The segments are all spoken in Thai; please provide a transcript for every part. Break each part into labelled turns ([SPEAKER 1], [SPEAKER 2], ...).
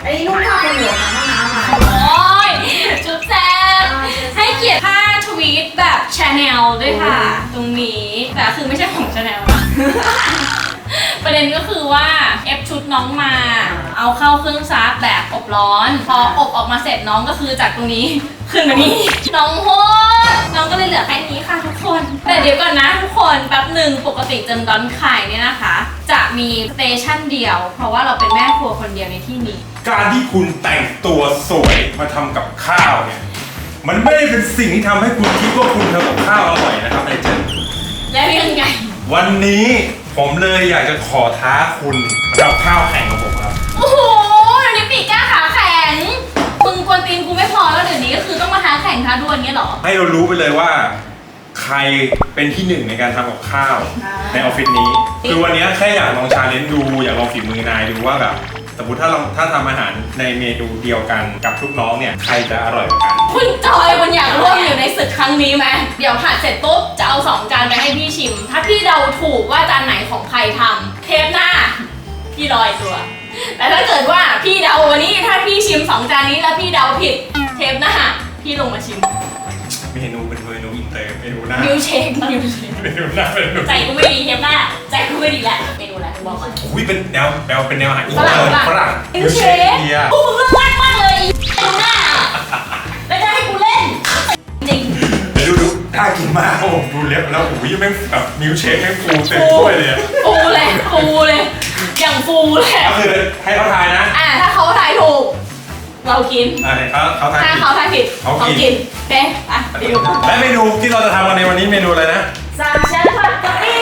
[SPEAKER 1] อันนี้นุ่งผ้าเป็นหัวของห้องน้ำมา
[SPEAKER 2] โอ้ยจุ๊บแจ๊บให้เกียรติผ้าทวีตแบบชาแนลด้วยค่ะ ตรงนี้แต่คือไม่ใช่ของชาแนลนะ ประเด็นก็คือว่าเอฟชุดน้องมา เอาเข้าเครื่องซักแบบอบร้อน พออบออกมาเสร็จน้องก็คือจากตรงนี้ขึ้นมานี่น้องโหดน้องก็เลยเหลือแค่นี้ค่ะทุกคน แต่เดี๋ยวก่อนนะทุกคนแป๊บหนึ่งปกติเจนดอนไข่เนี่ยนะคะ จะมีสเตชันเดียว เพราะว่าเราเป็นแม่ครัวคนเดียวในที่นี้
[SPEAKER 3] การที่คุณแต่งตัวสวยมาทำกับข้าวเนี่ยมันไม่ได้เป็นสิ่งที่ทำให้คุณคิดว่าคุณทำกับข้าวอร่อยนะครับนายเจน
[SPEAKER 2] แล้วยังไง
[SPEAKER 3] วันนี้ผมเลยอยากจะขอท้าคุณมาทำข้าวแข่งกับผมครับ
[SPEAKER 2] โอ้โหเดี๋ยวนี้ปีกกล้าขาแข็งมึงกวนตีนกูไม่พอแล้วเดี๋ยวนี้ก็คือต้องมาท้าแข่งท้าดวลเงี้ยเหรอ
[SPEAKER 3] ให้เรารู้ไปเลยว่า ใครเป็นที่หนึ่งในการทำกับข้าวในออฟฟิศนี้ คือวันนี้แค่อยากลองชาเลนจ์ดูอยากลองฝีมือนายดูว่าแบบสมมติถ้าทำอาหารในเมนูเดียวกันกับลูกน้องเนี่ยใครจะอร่อยกว่ากัน
[SPEAKER 2] คุณจอยคุณอยากร่วมอยู่ในศึกครั้งนี้ไหมเดี๋ยวผัดเสร็จปุ๊บจะเอา2 จานไปให้พี่ชิม ถ้าพี่เดาถูกว่าจานไหนของใครทำเทปหน้าพี่ลอยตัว แต่ถ้าเกิดว่าพี่เดาวันนี้ถ้าพี่ชิม2 จานนี้แล้วพี่เดาผิดเทปหน้าพี่ลงมาชิม
[SPEAKER 3] เมนูเป็นเมนูอินเตอร์เมนูหน้า
[SPEAKER 2] มิวเชคมิวเชค
[SPEAKER 3] เมนูหน้าเมนู
[SPEAKER 2] ใจกูไม่ดีเทปหน้าใจกูไม่ดีแหละเมนูอะไรบอกก่อน
[SPEAKER 3] อุ้ยเป็นแนวอาหารอิน
[SPEAKER 2] ฝ
[SPEAKER 3] เต
[SPEAKER 2] รั่
[SPEAKER 3] อง ร์ฝรั่ง
[SPEAKER 2] มิวเชค
[SPEAKER 3] เดีย
[SPEAKER 2] กูมึงเรื่องมากเลยเมนูหน้าแล้วจะให้กูเล่นจริง
[SPEAKER 3] เดี๋ยวดูน่ากินมากครับผมดูเล็บแล้วอุ้ยแม่งแบบมิลค์เชคแม่งฟูเต็มถ้วยเลยอะ
[SPEAKER 2] ฟูเลยอย่างฟูเลย
[SPEAKER 3] ก็คือให้เขาทายนะ
[SPEAKER 2] ถ้าเขาทายถูก เรากิน
[SPEAKER 3] เขาทาย
[SPEAKER 2] ถ้า
[SPEAKER 3] ผิด
[SPEAKER 2] เขาทายผิด
[SPEAKER 3] เขากิน
[SPEAKER 2] กินเป๊ะอ่ะไปดู
[SPEAKER 3] และเมนูที่เราจะทำกันในวันนี้เมนูอะไรนะ
[SPEAKER 2] สามชั้นผัดกะปิ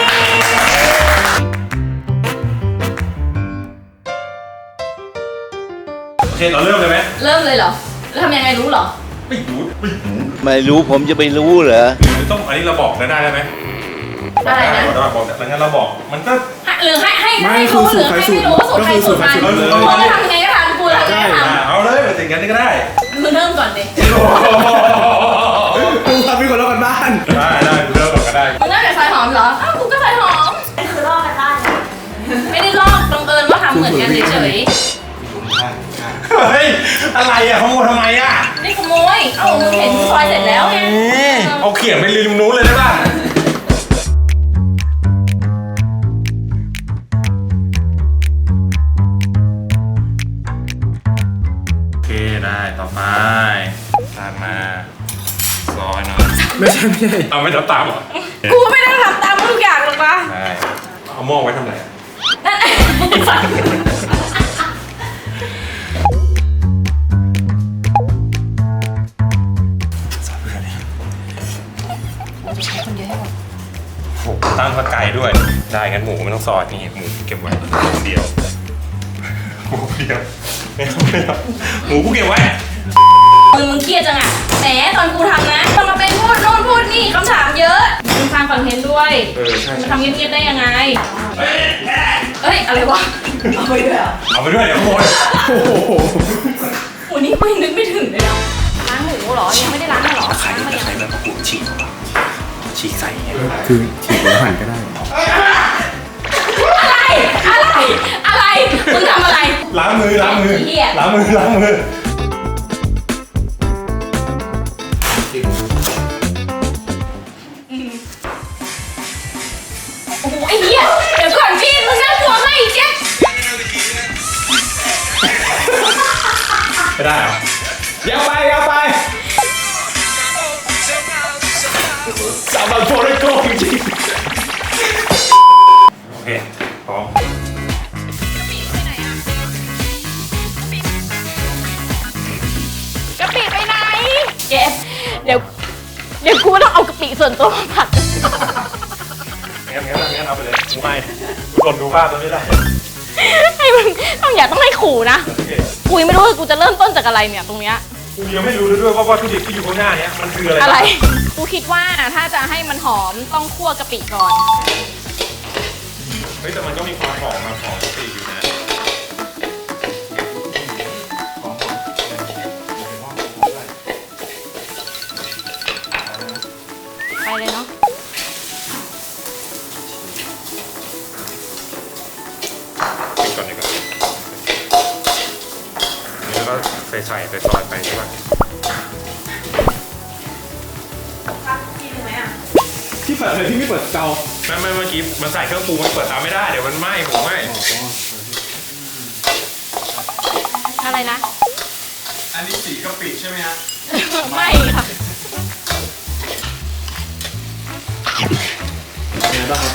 [SPEAKER 3] โอเคเราเริ่มเลยไหม
[SPEAKER 2] เริ่มเลยเหรอแล้วทำยังไงรู้เหรอ
[SPEAKER 3] ไม่รู้
[SPEAKER 4] ไม่รู้ผมจะไปรู้เหรอ
[SPEAKER 3] หรือต้องอันนี้เราบอกได้ไหม
[SPEAKER 2] อะไรนะ
[SPEAKER 3] บอกแต่งั้นเราบอกมันก็
[SPEAKER 2] หรือให้รู้หรือให้ไม่รู้สูตรใครสูตรมัน
[SPEAKER 3] ก็คือสูตรใครสูตรมัน
[SPEAKER 2] กูจะทำยังไงก็ทำกูทำยังไงก็ท
[SPEAKER 3] เอาเลยมาถึงกันนี่ก็ได้
[SPEAKER 2] ำมึงเริ่มก่อนดิ
[SPEAKER 5] มึงทำเป็นคนละกันบ้าน
[SPEAKER 3] ได้เริ่มก่อนก็ได้
[SPEAKER 2] มึงเริ่มจากซอยหอมเหรออ้าวกูก็ซอยหอม
[SPEAKER 1] คือลอกกันได้นะ
[SPEAKER 2] ไม่ได้ลอกบังเอิญว่าทำเหมือนกันเฉย
[SPEAKER 3] เฮ้ยอะไรอ่ะขโมยทำไมอ่ะ
[SPEAKER 2] ๆนี่ขโมยเอ้ามึงเห็นกูซอยเสร็จแล้วไง
[SPEAKER 3] เอาเขียงไปริมนู้นเลยได้ป่ะโอเคได้ต่อไปตามมาซอยหน่อย
[SPEAKER 5] ไม่ใช่
[SPEAKER 3] เอาไม่ตามเหรอ
[SPEAKER 2] กูไม่ได้ทำตามทุกอย่างหรอกวะ
[SPEAKER 3] ได้เอาหม้อไว้ทำอะไรอะ
[SPEAKER 2] นั่นไอ้มึงฟัง
[SPEAKER 3] ซอยเพื่อนนี่โหตั้งข้าวไก่ด้วย ได้งั้นหมูไม่ต้องซอยนี่หมูเก็บไว้คนเดียวหมูคนเดียวไม่ต้องหมูกูเก็บไว้
[SPEAKER 2] มึงเครียดจังอ่ะแหมตอนกูทำนะต้องมาเป็นพูดโน่นพูดนี่คำถามเยอะมึงฟังคอนเทนต์ด้วย
[SPEAKER 3] ใช่
[SPEAKER 2] มึงทำเงียบๆได้ยังไงเอ้ยอะไรวะ
[SPEAKER 1] เอาไปด้วยเหรอ
[SPEAKER 3] เอาไปด้วยเดี๋ยวขโมย
[SPEAKER 5] โอ้โห
[SPEAKER 2] โอ้นี่กูยังนึกไม่ถึงเลยนะล้างหมูเหรอยังไม่ได้ล้างเลยเหรอล้างมายัง
[SPEAKER 3] แบบกูฉีกใส่เงี้ย
[SPEAKER 5] คือฉีกหัวหันก็ได้
[SPEAKER 2] อะไรมึงทำอะไร
[SPEAKER 3] ล้างมือ
[SPEAKER 2] เหี้ย
[SPEAKER 3] ล้างมือ
[SPEAKER 2] โอ้โหไอ้เหี้ยเดี๋ยวก่อนพี่มึงน่ากลัวมากอีกเจ๊
[SPEAKER 3] ไม่ได้เหรอ
[SPEAKER 5] อย่าไปสาบานโฟร์โกจริง
[SPEAKER 3] โอเคพร้อม
[SPEAKER 2] กะปิไปไหนเจ๊เดี๋ยวกูต้องเอากะปิส่วนตัวมาผัด
[SPEAKER 3] งั้นเอาไปเลยกูให้กูทนดูภาพตรงนี้ได้
[SPEAKER 2] ให้มึงต้องอย่าต้องให้ขู่นะ
[SPEAKER 3] โอเค
[SPEAKER 2] กูยังไม่รู้ว่ากูจะเริ่มต้นจากอะไรเนี่ยตรงเนี้ย
[SPEAKER 3] กูยังไม่รู้เลยด้วยว่าวัตถุดิบที่อยู่ข้างหน้าเนี้ยมันคืออะไร
[SPEAKER 2] อะไร กูคิดว่าถ้าจะให้มันหอมต้องคั่วกะปิก่อน
[SPEAKER 3] เฮ้ยแต่มันก็มีความหอมมาหอมกะปิอยู่นะหอม
[SPEAKER 2] ไปเลยเนาะ
[SPEAKER 3] ปิดก่อนดีกว่าใส่ซอยไปใช่ป่ะ
[SPEAKER 1] กินไหมอ่ะ
[SPEAKER 5] ที่เปิดเลยที่ไม่เปิดเตา
[SPEAKER 3] ไม่เมื่อกี้มันใส่เครื่องปรุงมันเปิดเตาไม่ได้เดี๋ยวมันไหม้ผมไหม้
[SPEAKER 2] อะไรนะ
[SPEAKER 3] อันนี้สีกะปิใช่ไหมฮะ
[SPEAKER 2] ไม่ค่ะ
[SPEAKER 5] เป็นไงบ้างครับ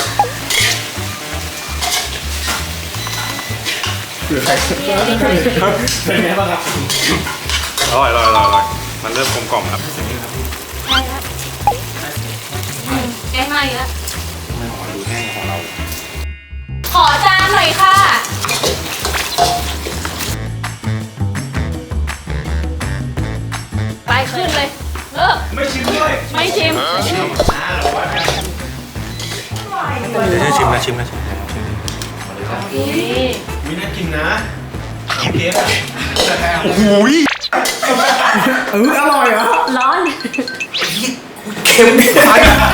[SPEAKER 5] เผื่อใครเป็นไงบ้างครับ
[SPEAKER 3] อร่อยมันเริ่มกลมกล่อมครับ
[SPEAKER 2] แกงมาอีกแล้ว
[SPEAKER 3] ไม่ของดูแห้งของเรา
[SPEAKER 2] ขอจานหน่อยค่ะ ไปขึ้นเลย
[SPEAKER 3] ไม่ชิมด้วย
[SPEAKER 2] ไม่ชิม
[SPEAKER 3] เดี๋ยวชิมนะ
[SPEAKER 5] มีน่ากินนะเค้กอะ
[SPEAKER 3] โอ้โห
[SPEAKER 5] อร่อยเหรอ
[SPEAKER 1] ร้อน
[SPEAKER 5] เค็มไป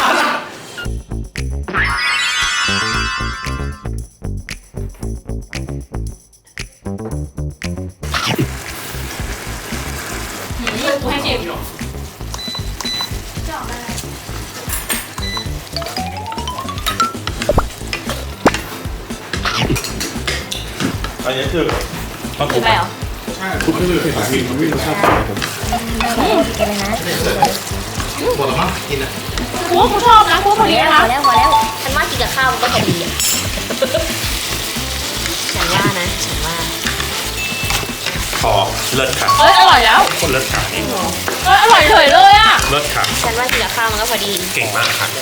[SPEAKER 2] ให้ชิม
[SPEAKER 3] อันนี้คือต้อง
[SPEAKER 2] คืออะไรเหรอ
[SPEAKER 5] คุณก็เลยเผ็ดจริงมันไม่รสชาติต่างผม
[SPEAKER 2] กูว่ากูชอบนะกูว่าพอดีนะ
[SPEAKER 1] พอแล้วฉันว่ากินกับข้าวมันก็พอดีอ่ะฉันว่านะฉันว่า
[SPEAKER 3] พอเลิศค่ะ
[SPEAKER 2] เอ้ยอร่อยแล้ว
[SPEAKER 3] คนเลิศค่ะนี่
[SPEAKER 2] เอ้ยอร่อยเลยเลยอ่ะ
[SPEAKER 3] เลิศค่ะ
[SPEAKER 1] ฉันว่ากินกับข้าวมันก็พอดี
[SPEAKER 3] เก่งมากค่ะ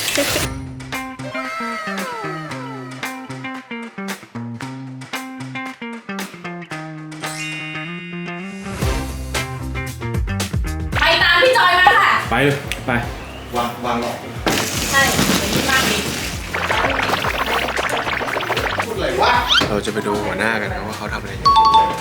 [SPEAKER 2] ไปตามพี่จอยมาค่ะ
[SPEAKER 5] ไปเลยไป
[SPEAKER 3] วางหลอก
[SPEAKER 2] ใช่มากดี
[SPEAKER 6] เราจะไปดูหัวหน้ากันนะว่าเขาทำอะไรอยู่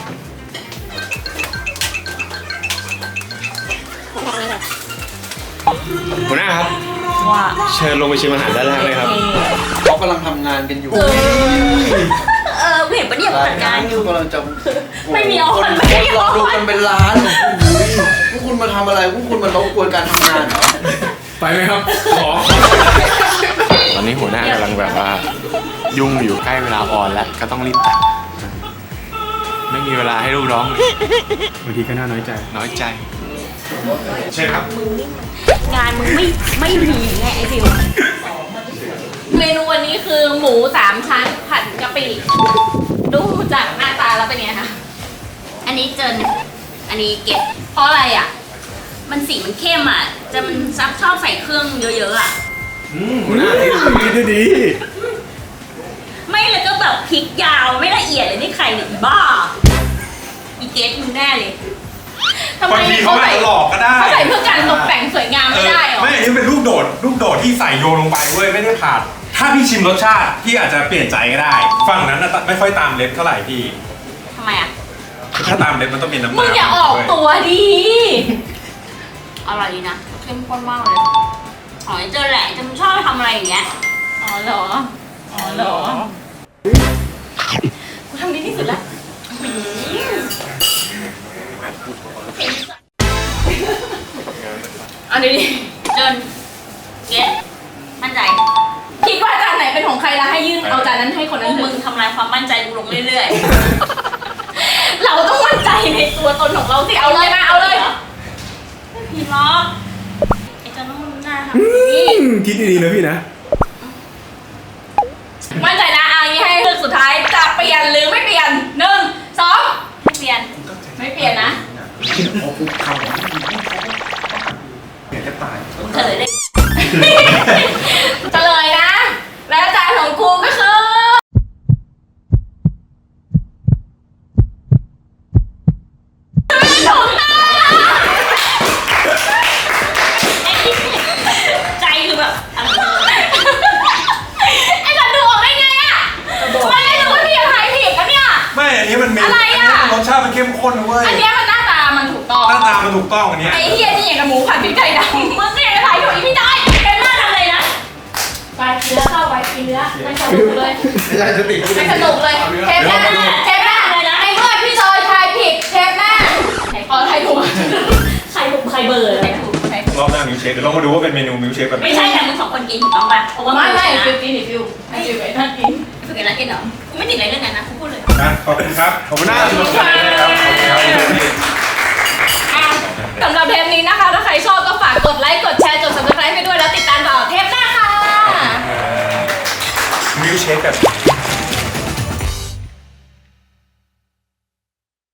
[SPEAKER 6] หัวหน้าครับ
[SPEAKER 1] ว่า
[SPEAKER 6] เชิญลงไปชิมอาหารด้านล่างเลยครับเขากำลังทำงานกันอยู่
[SPEAKER 1] กูเห็นปะเนี่ยจัดการอยู่
[SPEAKER 6] กำลังจะ
[SPEAKER 2] ไม่มีออน
[SPEAKER 6] คนรอดูกันเป็นล้านพวกคุณมาทำอะไรพวกคุณมารบกวนการทำงานเหรอ
[SPEAKER 5] ไปไหมครับขอ
[SPEAKER 6] ตอนนี้หัวหน้ากำลังแบบว่า ยุ่งอยู่ใกล้เวลาออนแล้วก็ต้องรีบตัดไม่มีเวลาให้ลูกน้องเลย
[SPEAKER 5] บางทีก็น่าน้อยใจ
[SPEAKER 6] น้อยใจ
[SPEAKER 3] ใช่ครับ
[SPEAKER 1] งานมึงไม่มีไงไอ้ฟิว
[SPEAKER 2] เมนูวันนี้คือหมู3ชั้นผัดกะปิดูจากหน้าตาแล้วเป็นไงคะ
[SPEAKER 1] อันนี้เจนอันนี้เก็บ
[SPEAKER 2] เพราะอะไรอ่ะ
[SPEAKER 1] มันสีมันเข้มอ่ะจะมันซับชอบใส่เครื่องเยอะๆอ่ะ
[SPEAKER 6] หัวหน้าที่
[SPEAKER 5] ดีดี
[SPEAKER 1] ไม่แล้วก็แบบพริกยาวไม่ละเอียดเลยนี่ใครเนี่ยอีบ้าอีเกสมึงแน่เลย
[SPEAKER 2] ทำไม
[SPEAKER 3] บางทีเขาอาจจะหลอกก็ได้
[SPEAKER 2] เขาใส่เพื่อการตกแต่งสวยงามไม่ได้หรอ
[SPEAKER 3] ไม่อันนี้เป็นลูกโดดที่ใส่โยนลงไปเว้ยไม่ได้ผัดถ้าพี่ชิมรสชาติพี่อาจจะเปลี่ยนใจก็ได้ฝั่งนั้นน่ะไม่ค่อยตามเล็บเท่าไหร่พี่
[SPEAKER 1] ทำไมอ่ะ
[SPEAKER 3] ถ้าตามเล็บมันต้องมีน้ำ
[SPEAKER 2] มึงอย่าออก
[SPEAKER 3] ด้วย
[SPEAKER 2] ตัวดี
[SPEAKER 1] อร่อยดีนะเข้มข้นมากเลยอ๋อเจอแหละจะมันชอบทำอะไรอย่างเงี้ย
[SPEAKER 2] อ๋อเหรอ อ๋อเหรอ กูทำดีที่สุดแล้วอันนี้ดิ
[SPEAKER 1] เจนเกสมั่นใจ
[SPEAKER 2] คิดว่าจานไหนเป็นของใครแล้วให้ยื่นเอาจานนั้นให้คน
[SPEAKER 1] พ
[SPEAKER 2] นั้
[SPEAKER 1] วน ก
[SPEAKER 2] เล
[SPEAKER 1] มึ
[SPEAKER 2] ย
[SPEAKER 1] งทำลายความมั่นใจกูลงเรื่อย
[SPEAKER 2] เราต้องมั่นใจในตัวตนของเราสิ เอาเลยมาเอาเลย
[SPEAKER 1] ๆพี่ล็อกไอ้เจนต้องมันน่าทำดี
[SPEAKER 5] คิดดีๆนะพี่นะ
[SPEAKER 2] มั่นใจนะอันนี้ให้เลือกสุดท้ายจะเปลี่ยนหรือไม่เปลี่ยน1 2
[SPEAKER 1] ไม่เปลี่ยน
[SPEAKER 2] ไม่เปลี่ยนนะ
[SPEAKER 1] มึงเฉลยเลย
[SPEAKER 2] เฉลยนะ และจานของกูก็คือถูกต้อง
[SPEAKER 1] ใจคือแบบอะไร
[SPEAKER 2] ไอ้สัตว์ดูออกได้ไงอ่ะไม่ได้รู้ว่าพี่ยังทายผิดนะเนี่ย
[SPEAKER 3] ไม่อันนี้มันมี
[SPEAKER 2] อะไรอะ
[SPEAKER 3] รสชาติมันเข้มข้นเว้ย
[SPEAKER 2] อันเนี้ยมันหน้าตามันถูกต้อง
[SPEAKER 3] หน้าตามันถูกต้องอันเนี้ย
[SPEAKER 2] ไอ้เฮียนี่อย่างกับหมูผัดพริกไทยดำมึงเนี่ยทายถูกอีพี่ได้เป็นหน้าทำอะไรนะไปกินเนื้อเข้าไปกินเนื้อไปสนุกเลย
[SPEAKER 6] ไม่ใช่สติ
[SPEAKER 2] ไปสนุกเลยเทปหน้าเทปหน้าเลยนะไอ้เมื่อพี่จอยทายผิดเทปหน้าแถ
[SPEAKER 1] ใครเบอร์ใครถูกใครถูก
[SPEAKER 3] รอบหน้ามิลเชคเดี๋ยวลองมาดูว่าเป็นเมนูมิลเชคแบบไหน
[SPEAKER 1] ไม่ใช่แต่มึงสองคนกินถูกต้องป่ะเพราะว่า
[SPEAKER 2] ไม่
[SPEAKER 1] นะ
[SPEAKER 2] ฟิวกินฟิวไอฟิวไอ้ท่านกิน
[SPEAKER 1] ฝึกกันแล้วกินเหรอกูไม่ติดอะไรเรื่องนั้นนะกูพูดเลย
[SPEAKER 3] อ่ะขอบคุณครับ
[SPEAKER 6] ขอบคุณนะ
[SPEAKER 3] ขอบคุณครับขอบคุณครับพี่
[SPEAKER 2] สำหรับเทปนี้นะคะ ถ้าใครชอบก็ฝากกดไลค์ กดแชร์ กด subscribe ให้ด้วยแล้วติดตามต่อเทปหน้าค่ะ
[SPEAKER 3] มิลเชคแบบ